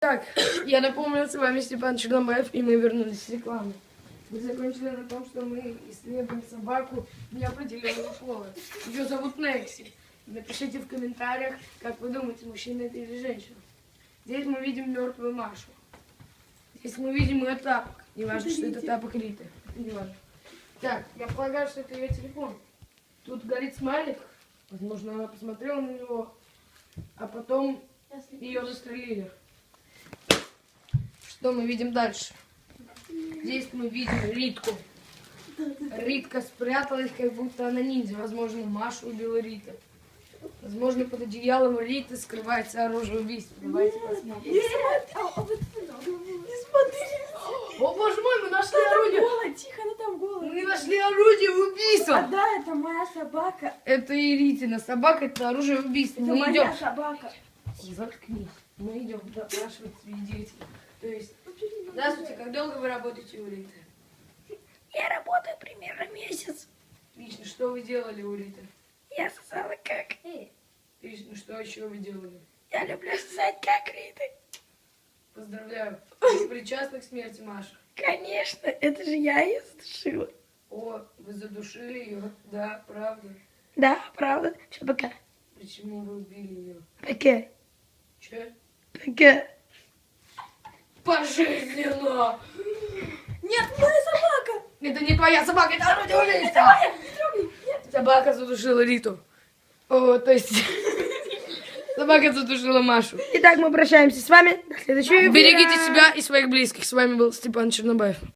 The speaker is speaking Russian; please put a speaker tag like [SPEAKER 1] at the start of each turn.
[SPEAKER 1] Так, я напомню, с вами Степан Чернобаев, и мы вернулись с рекламы. Мы закончили на том, что мы исследуем собаку неопределенного пола. Ее зовут Некси. Напишите в комментариях, как вы думаете, мужчина это или женщина. Здесь мы видим мертвую Машу. Здесь мы видим ее тапок. Не важно, что это тапок Риты. Это не важно. Так, я полагаю, что это ее телефон. Тут горит смайлик. Возможно, она посмотрела на него, а потом ее застрелили. Что мы видим дальше? Здесь мы видим Ритку. Ритка спряталась, как будто она ниндзя. Возможно, Машу убила Рита. Возможно, под одеялом Риты скрывается оружие убийства. Давайте посмотрим.
[SPEAKER 2] Не смотри.
[SPEAKER 1] О, боже мой, мы нашли орудие.
[SPEAKER 2] Голая, тихо, она там голая.
[SPEAKER 1] Мы нашли орудие убийства.
[SPEAKER 2] А да, это моя собака.
[SPEAKER 1] Это и Ритина собака, это оружие убийства.
[SPEAKER 2] Это
[SPEAKER 1] Мы
[SPEAKER 2] моя
[SPEAKER 1] идем.
[SPEAKER 2] собака.
[SPEAKER 1] Заткнись. Мы идем допрашивать свидетелей. То есть, здравствуйте, как долго вы работаете у Риты?
[SPEAKER 2] Я работаю примерно месяц.
[SPEAKER 1] Отлично, что вы делали у Риты?
[SPEAKER 2] Я сосала как.
[SPEAKER 1] Отлично, что еще вы делали?
[SPEAKER 2] Я люблю сосать как Риты.
[SPEAKER 1] Поздравляю. Вы причастны к смерти Маши?
[SPEAKER 2] Конечно, это же я ее задушила.
[SPEAKER 1] О, вы задушили ее? Да, правда.
[SPEAKER 2] Да, правда. Все, пока.
[SPEAKER 1] Почему вы убили ее?
[SPEAKER 2] Пока.
[SPEAKER 1] Че?
[SPEAKER 2] Пока.
[SPEAKER 1] Пожизненно!
[SPEAKER 2] Нет, моя собака.
[SPEAKER 1] Это не твоя собака, это орудие убийства! Собака задушила Риту. О, то есть... Собака задушила Машу.
[SPEAKER 2] Итак, мы прощаемся с вами. До следующего эфира.
[SPEAKER 1] Берегите себя и своих близких. С вами был Степан Чернобаев.